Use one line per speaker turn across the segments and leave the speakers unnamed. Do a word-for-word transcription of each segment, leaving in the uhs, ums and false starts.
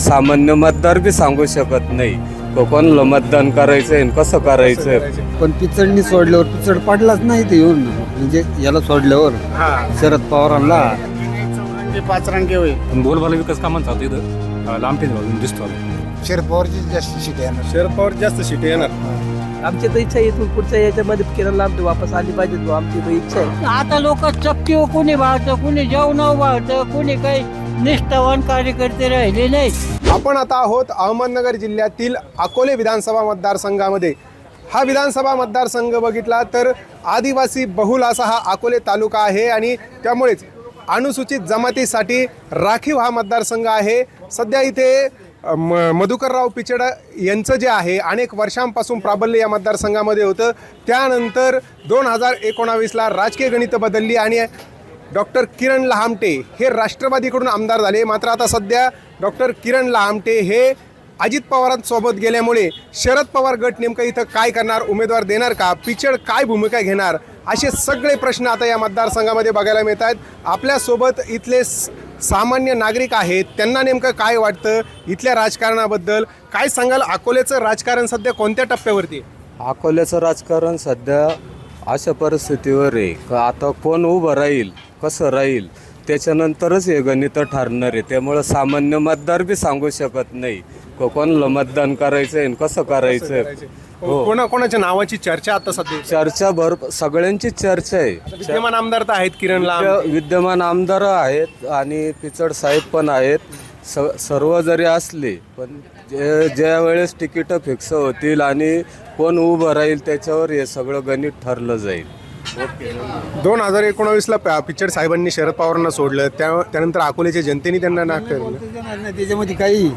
सामान्य मतदार बी सांगू शकत नाही कोणाला मतदान करायचं आणि कसं करायचं.
पण पिचडणी सोडल्यावर पिचड पडलाच नाही ते येऊन, म्हणजे याला सोडल्यावर शरद पवारांना
पाचरांगे होईल.
बोलबाला विकास कामांचा होता इथं लांबटेच बाजून दिसतो.
शरद पवारची जास्त सीट येणार.
शरद पवार जास्त सीट येणार.
आमची तर इच्छा आहे इथून पुढच्या याच्यामध्ये किरण लांबटे वापस आली पाहिजे, तो आमची तर इच्छा आहे.
आता लोक चपटी कोणी वाढतं, कोणी जेवण वाढतं, कोणी काही निष्ठावान कार्यकर्ते राहिले नाही.
आपण आता आहोत अहमदनगर जिल्ह्यातील अकोले विधानसभा मतदारसंघामध्ये. हा विधानसभा मतदारसंघ बघितला तर आदिवासी बहुल असा हा अकोले तालुका आहे आणि त्यामुळेच अनुसूचित जमातीसाठी राखीव हा मतदारसंघ आहे. सध्या इथे म मधुकरराव पिचड यांचं जे आहे अनेक वर्षांपासून प्राबल्य या मतदारसंघामध्ये होतं. त्यानंतर दोन हजार एकोणावीसला राजकीय गणितं बदलली आणि डॉक्टर किरण लहामटे हे राष्ट्रवादीकडून आमदार झाले. मात्र आता सध्या डॉक्टर किरण लहामटे हे अजित पवारांसोबत गेल्यामुळे शरद पवार गट नेमकं इथं काय करणार, उमेदवार देणार का, पिचड काय भूमिका घेणार, असे सगळे प्रश्न आता या मतदारसंघामध्ये बघायला मिळत आहेत. आपल्यासोबत इथले सामान्य नागरिक आहेत, त्यांना नेमकं काय वाटतं इथल्या राजकारणाबद्दल, काय सांगाल? अकोल्याचं राजकारण सध्या कोणत्या टप्प्यावरती आहे?
अकोल्याचं राजकारण सध्या अशा परिस्थितीवर आहे का आता कोण उभं राहील, कसं राहील त्याच्यानंतरच हे गणितं ठरणार आहे. त्यामुळं सामान्य मतदार बी सांगू शकत नाही कोणाला मतदान करायचं आणि कसं करायचं. हो,
कोणा कोणाच्या नावाची चर्चा आता सध्या?
चर्चा भर सगळ्यांची चर्चा आहे.
विद्यमान आमदार तर आहेत किरण लहामटे,
विद्य- विद्यमान आमदार आहेत आणि पिचड साहेब पण आहेत. स सर्व जरी असले पण जे ज्या वेळेस तिकीटं फिक्स होतील आणि कोण उभं राहील त्याच्यावर हे सगळं गणित ठरलं जाईल.
दोन हजार एकोणावीसला पिचड साहेबांनी शरद पवारांना सोडलं, त्या त्यानंतर अकोल्याच्या जनतेने त्यांना नाकारलं.
त्याच्यामध्ये काही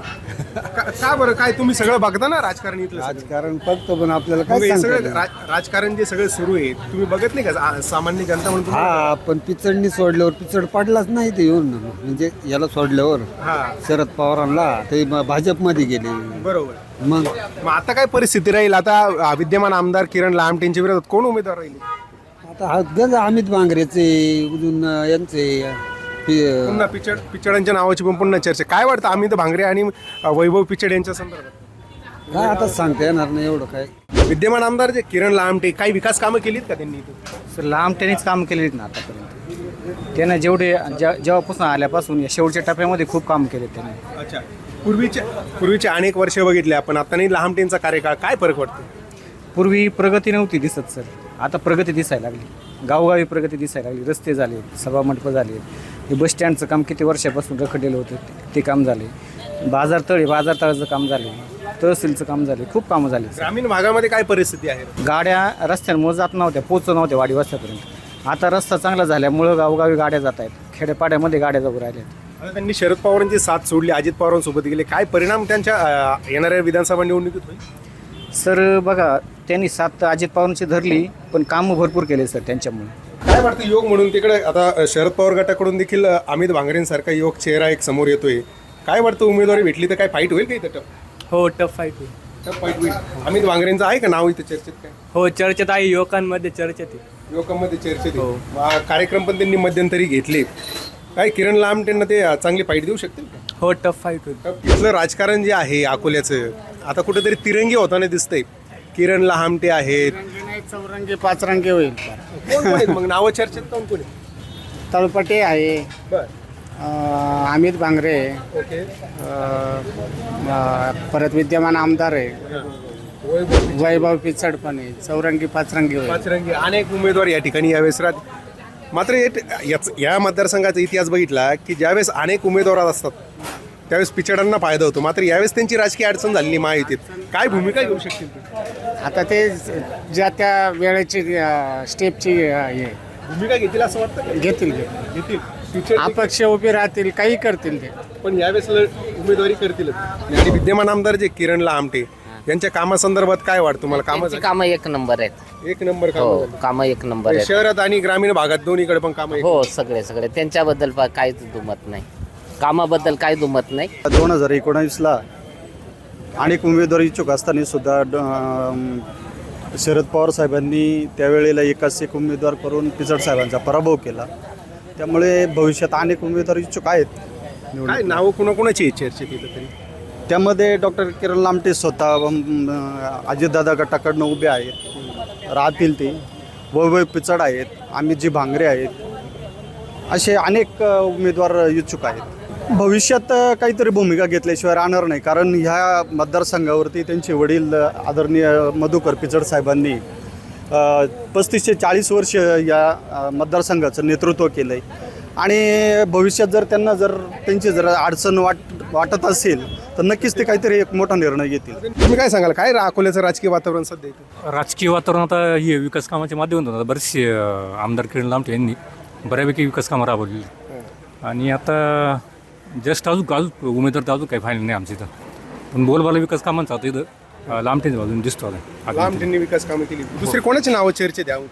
का का बरं? काय तुम्ही सगळं बघता ना राजकारण इथलं सगळं?
राजकारण फक्त, पण आपल्याला
मग
काय
हे
सांगता
सगळं
येईल?
राज- राजकारण जे सगळं सुरू आहे तुम्ही बघत नाही का? आ- सामान्य जनता म्हणून तुम्ही-
हा, पण पिचडणी सोडल्यावर पिचड पडलाच नाही ते येऊन, म्हणजे याला सोडल्यावर
हा,
शरद पवारांना ते म- भाजपमध्ये गेले.
बरोबर.
मग
मग आता काय परिस्थिती राहील? आता आ, विद्यमान आमदार किरण लहामटेंच्या विरोधात कोण उमेदवार राहील?
आता हा गज अमित बांगरेचे अजून यांचे पि-
पुन्हा पिचड पिचडांच्या नावाची पण पुन्हा चर्चा. काय वाटतं अमित भांगरे आणि अ, वैभव पिचड यांच्या संदर्भात?
काय आता सांगता येणार नाही एवढं काय.
विद्यमान आमदार जे किरण लहामटे काही विकास कामं केलीत का त्यांनी इथं?
सर लांबटेनेच काम केलेत ना आतापर्यंत. त्यानं जेवढे ज्या जेव्हापासून आल्यापासून या शेवटच्या टप्प्यामध्ये खूप काम केले त्याने.
अच्छा, पूर्वीचे पूर्वीचे अनेक वर्ष बघितले आपण, आता नाही लहामटेंचा कार्यकाळ, काय फरक वाटतो?
पूर्वी प्रगती नव्हती दिसत सर, आता प्रगती दिसायला लागली. गावोगावी प्रगती दिसायला लागली. रस्ते झाले, सभामंडपं झाले, हे बस स्टँडचं काम किती वर्षापासून रखडलेलं होतं ते- ते काम झाले. बाजार तळे बाजार तळाचं काम झाले, तहसीलचं काम झाले, खूप कामं झाले.
ग्रामीण भागामध्ये काय परिस्थिती आहे?
गाड्या रस्त्यांमुळे जात नव्हत्या, पोचत नव्हत्या वाडी वस्त्यापर्यंत. आता रस्ता चांगला झाल्यामुळं गावोगावी गाड्या जात आहेत, खेड्यापाड्यामध्ये गाड्या जाऊ राहिल्या.
आता त्यांनी शरद पवारांची साथ सोडली, अजित पवारांसोबत गेले, काय परिणाम त्यांच्या अ, येणाऱ्या विधानसभा निवडणुकीत होईल?
सर बघा, त्यांनी साथ अजित पवारांची धरली, पण कामं भरपूर केले सर त्यांच्यामुळे.
काय वाटतं योग म्हणून तिकडे आता शरद पवार गटाकडून देखील अमित भांगरेंसारखा योग चेहरा एक समोर येतोय. काय वाटतं उमेदवारी भेटली तर काय फाईट होईल का इथं? टफ
हो, टफ फाईट होईल.
टफ फाईट होईल. अमित भांगरेंचं आहे का नाव इथं चर्चेत? काय
हो, चर्चेत आहे, युवकांमध्ये चर्चेत आहे.
युवकांमध्ये चर्चेत आहे. मग कार्यक्रम पण त्यांनी मध्यंतरी घेतले. काय किरण लहामटेंना ते चांगली फाईट देऊ शकतील का?
हो, टफ फाईट होईल.
टफ इथलं राजकारण जे आहे अकोल्याचं आता कुठेतरी तिरंगी होताना दिसतंय. किरण लहामटे आहेत,
चौरंगी पाचरंगी होईल.
कोण कोण आहेत मग नावं चर्चेत? कोण कोण आहे?
तळपटे आहे,
बर,
अं, अमित भांगरे,
ओके.
अं, अं, परत विद्यमान आमदार आहे, वैभव पिचड पण आहे, चौरंगी पाचरंगी होईल.
पाचरंगी अनेक उमेदवार या ठिकाणी यावेळेस राहतील. मात्र हे- याच या मतदारसंघाचा इतिहास बघितला की ज्यावेळेस अनेक उमेदवार असतात त्यावेळेस पिचडांना फायदा होतो. मात्र यावेळेस त्यांची राजकीय अडचण झालेली महायुतीत. काय भूमिका घेऊ शकतील ते?
आता ते ज्या त्या वेळेची अं, स्टेपची अं, हे
भूमिका घेतील असं वाटतं का?
घेतील ते.
घेतील. पिचड
अपक्ष उभे राहतील, काही करतील ते.
पण यावेळेस ल- उमेदवारी करतीलच. आणि विद्यमान आमदार जे किरण लहामटे यांच्या कामासंदर्भात काय वाटतं तुम्हाला? कामं
कामं एक नंबर आहेत.
एक नंबर
हो,
काम
कामं एक नंबर आहेत.
शहरात आणि ग्रामीण भागात दोन्हीकडे पण कामं.
हो, सगळे सगळे त्यांच्याबद्दल पा- काहीच दुमत नाही, कामाबद्दल काही दुमत नाही.
दोन हजार एकोणावीसला अनेक उमेदवार इच्छुक असताना सुद्धा ड- अं, शरद पवार साहेबांनी त्यावेळेला एकाच एक उमेदवार करून पिचड साहेबांचा पराभव केला. त्यामुळे भविष्यात अनेक उमेदवार इच्छुक आहेत.
काय नावं कुणाकुणाची चर्चेत येतं तरी?
त्यामध्ये डॉक्टर किरण लामटे स्वतः अम, अजितदादा गटाकडनं उभे आहेत, राहतील ते वैभव पिचड आहेत, अमितजी भांगरे आहेत, असे अनेक अ, उमेदवार इच्छुक आहेत. भविष्यात अ, काहीतरी भूमिका घेतल्याशिवाय राहणार नाही, कारण ह्या मतदारसंघावरती त्यांचे वडील अ, आदरणीय मधुकर पिचड साहेबांनी अ, पस्तीस ते चाळीस वर्ष या अ, मतदारसंघाचं नेतृत्व केलं आहे आणि भविष्यात जर त्यांना जर त्यांची जर अडचण वाट वाटत असेल तर नक्कीच ते काहीतरी एक मोठा निर्णय घेतील.
तुम्ही काय सांगाल, काय रा- अकोल्याचं राजकीय वातावरण सध्या इथे?
राजकीय वातावरण आता हे विकास कामाच्या माध्यमातून आता बरेचसे अं, आमदार किरण लामटे यांनी बऱ्यापैकी विकास कामं राबवलेली आणि आता जस्ट अजून अजून उमेदवार तर अजून काही फायनल नाही आमच्या इथं, पण बोलबाला विकास कामांचा आता इथं अं, लामटेंच्या बाजून दिसतो आता.
लांबटेंनी विकास कामं केली. दुसरी कोणाची नावं चर्चेत द्यावं?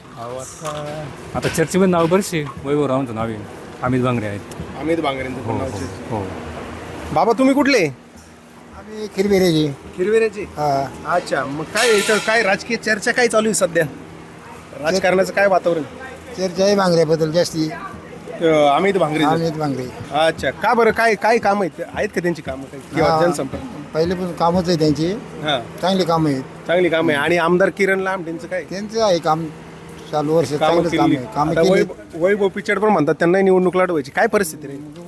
आता चर्चेमध्ये नाव बरेचसे वैभवरावांचं नाव आहे, अमित भांगरे आहेत.
अमित बांगरेंचं पण
हो
नाव
हो
चर्चेत.
हो
बाबा तुम्ही कुठले?
आम्ही खिरबिरेजी.
हिरवेऱ्याचे. अच्छा, मग काय इथं काय राजकीय चर्चा काय चालू आहे सध्या? राजकारणाचं काय वातावरण?
चर्चा आहे भांगऱ्याबद्दल जास्ती.
अं, अमित भांगरे.
अमित भांगरे
अच्छा, का बरं, काय काय काम आहेत आहेत का त्यांची कामं काही किंवा
हा.
जनसंपर्क?
पहिले पण कामच आहे त्यांची,
हा,
चांगली कामं आहेत
चांगली काम आहे. आणि आमदार किरण लांबटेंचं काय
त्यांचं आहे काम चालू वर्ष
कामं
चांगलंच काम
केली?
आहे कामं
आता
केली.
वैभव वैभव पिचड पण म्हणतात त्यांना निवडणूक लढवायची, काय परिस्थिती रे?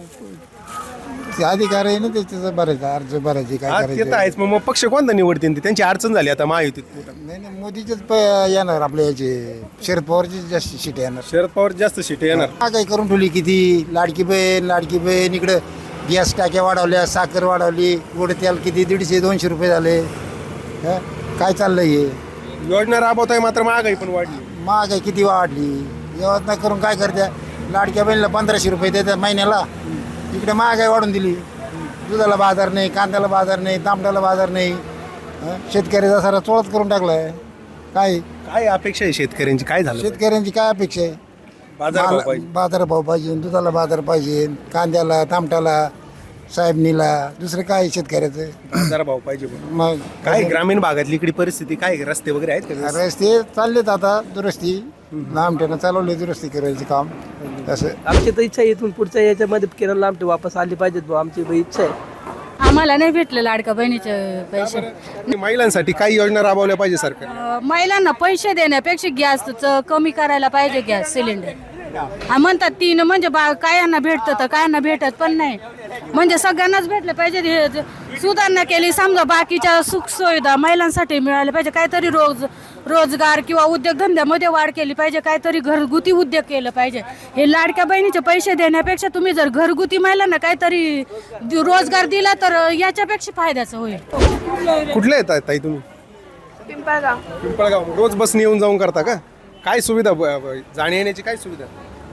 ते अधिकार आहे ना त्याचं बरेच अर्ज भरायचे काय
हा, ते तर
करायचं.
आहेच. मग मग पक्ष कोणता निवडतील ते? त्यांची अडचण झाली आता महायुतीत.
नाही नाही मोदीचेच प- येणार आपल्या याचे शरद पवारची जास्त सीट येणार.
शरद पवार जास्त सीट येणार.
हा काही करून ठेवली किती लाडकी बहीण लाडकी बहीण इकडं गॅस टाक्या वाढवल्या, साखर वाढवली, गोड तेल किती दीडशे दोनशे रुपये झाले. हं? काय चाललंय हे?
योजना राबवत आहे मात्र महागाई पण वाढली.
महागाई किती वाढली, योजना करून काय करत्या? लाडक्या बहिणीला पंधराशे रुपये देतात महिन्याला, इकडे महागाई वाढून दिली. दुधाला बाजार नाही, कांद्याला बाजार नाही, तांबड्याला बाजार नाही. हं? शेतकऱ्याचा सारा चोळत करून टाकलाय. काय
काय अपेक्षा आहे शेतकऱ्यांची? काय झालं?
शेतकऱ्यांची काय अपेक्षा आहे?
बाजार भाव
माल-
पाहिजे.
बाजार भाव पाहिजे, दुधाला बाजार पाहिजे, कांद्याला तांबट्याला साहेबनीला, दुसरं काय शेतकऱ्याचं?
बाजार भाव पाहिजे पण.
मग
काय ग्रामीण भागातली इकडे परिस्थिती काय आहे? रस्ते वगैरे आहेत का?
रस्ते चाललेत आता दुरुस्ती, लांबट्यानं चालवले दुरुस्ती करायचं काम. तसं
आमची तर इच्छा आहे इथून पुढच्या याच्यामध्ये किरण लांबटे वापस आली पाहिजेत बुवा, आमची बी इच्छा आहे.
आम्हाला नाही भेटलं लाडका बहिणीचे पैसे.
आणि महिलांसाठी काही योजना राबवल्या पाहिजे सरकार?
अं, महिलांना पैसे देण्यापेक्षा गॅसचं कमी करायला पाहिजे, गॅस सिलेंडर. हा, म्हणतात तीन म्हणजे बा कायांना भेटतं तर कायांना भेटत पण नाही, म्हणजे सगळ्यांनाच भेटलं पाहिजे. हे ज- सुधारणा केली समजा, बाकीच्या सुखसुविधा महिलांसाठी मिळाल्या पाहिजे, काहीतरी रोज रोजगार किंवा उद्योगधंद्यामध्ये वाढ केली पाहिजे, काहीतरी घरगुती उद्योग केलं पाहिजे. हे लाडक्या बहिणीचे पैसे देण्यापेक्षा तुम्ही जर घरगुती महिलांना काहीतरी दि- रोजगार दिला तर याच्यापेक्षा फायद्याचं होईल.
कुठले येतात ताई तुम्ही?
पिंपळगाव.
पिंपळगाव. रोज बसने येऊन जाऊन करता का? काय सुविधा ब- ब- जाण्या येण्याची काय सुविधा?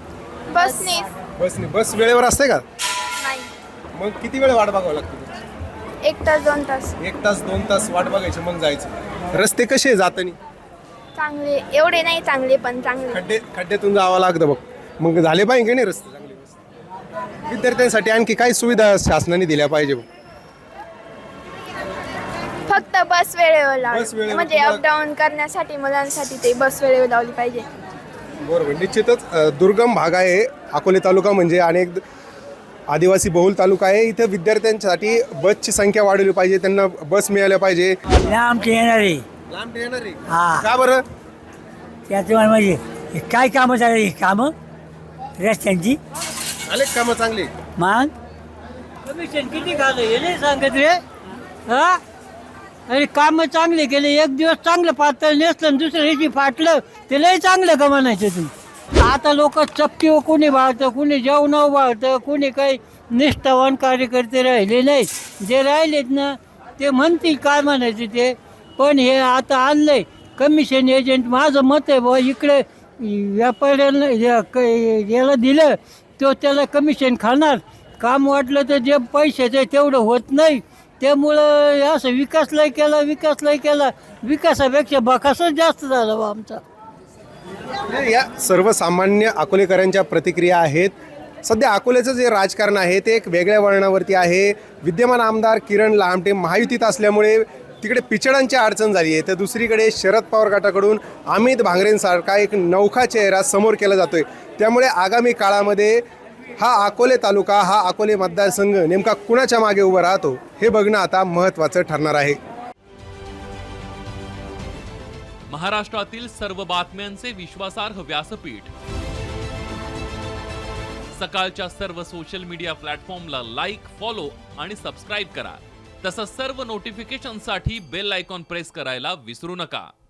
बसने
बसने. बस वेळेवर असते का?
नाही,
मग किती वेळ वाट बघावं लागते?
एक तास दोन तास.
एक तास दोन तास वाट बघायची मग जायचं. रस्ते कसे आहे जातानी?
चांगले एवढे नाही चांगले पण चांगले.
खड्डे खड्ड्यातून जावं लागतं बघ. मग झाले पाहिजे की नाही रस्ते चांगले? विद्यार्थ्यांसाठी आणखी काय सुविधा शासनाने दिल्या पाहिजे?
फक्त बस वेळेवर
बस
लावली
वेळेवर
म्हणजे
तुम्हाला-
अपडाऊन करण्यासाठी मुलांसाठी ते बस वेळेवर लावली पाहिजे.
बरोबर. निश्चितच अ, दुर्गम भाग आहे अकोले तालुका, म्हणजे अनेक आदिवासी बहुल तालुका आहे. इथे विद्यार्थ्यांसाठी बसची संख्या वाढवली पाहिजे, त्यांना बस मिळाल्या पाहिजे.
लांब येणार आहे.
लांब येणार आहे
हा.
का बरं?
त्याचं म्हणजे हे काय कामं चालली ही कामं रस्त्यांची?
आले कामं चांगले?
मग कमिशन किती खाल्लं हे नाही सांगत रे. हा, अरे कामं चांगले केले, एक दिवस चांगलं पातळ नेसलं आणि दुसऱ्या दिवशी फाटलं, ते लय चांगलं का म्हणायचं तुम्ही? आता लोक चपटी कोणी वाळतं, कोणी जेवणावर वाळतं, कोणी काही निष्ठावान कार्यकर्ते राहिले नाहीत. जे राहिलेत ना ते म्हणतील काय म्हणायचं ते. पण हे आता आणलंय कमिशन एजंट. माझं मत आहे बाबा, इकडे व्यापाऱ्यांना या- क- याला दिलं तो त्याला कमिशन खाणार. काम वाटलं तर जे पैशाचं तेवढं होत नाही, त्यामुळं असं विकास लय केला विकास लय केला विकासापेक्षा बकासच जास्त झाला बा आमचा.
या सर्वसामान्य अकोलेकरांच्या प्रतिक्रिया आहेत. सध्या अकोल्याचं जे राजकारण आहे ते एक वेगळ्या वळणावरती आहे. विद्यमान आमदार किरण लामटे महायुतीत असल्यामुळे तिकडे पिचडांची अडचण झाली आहे, तर दुसरीकडे शरद पवार गटाकडून अमित भांगरेंसारखा एक नौखा चेहरा समोर केला जातोय. त्यामुळे आगामी काळामध्ये हा अकोले तालुका, हा अकोले मतदारसंघ नेमका कुणाच्या मागे उभा राहतो हे बघणं आता महत्त्वाचं ठरणार आहे.
महाराष्ट्रातील सर्व बातम्यांचे विश्वासार्ह व्यासपीठ, सकाळच्या सर्व सोशल मीडिया प्लॅटफॉर्मला लाईक, फॉलो आणि सबस्क्राईब करा. तसंच सर्व नोटिफिकेशनसाठी बेल आयकॉन प्रेस करायला विसरू नका.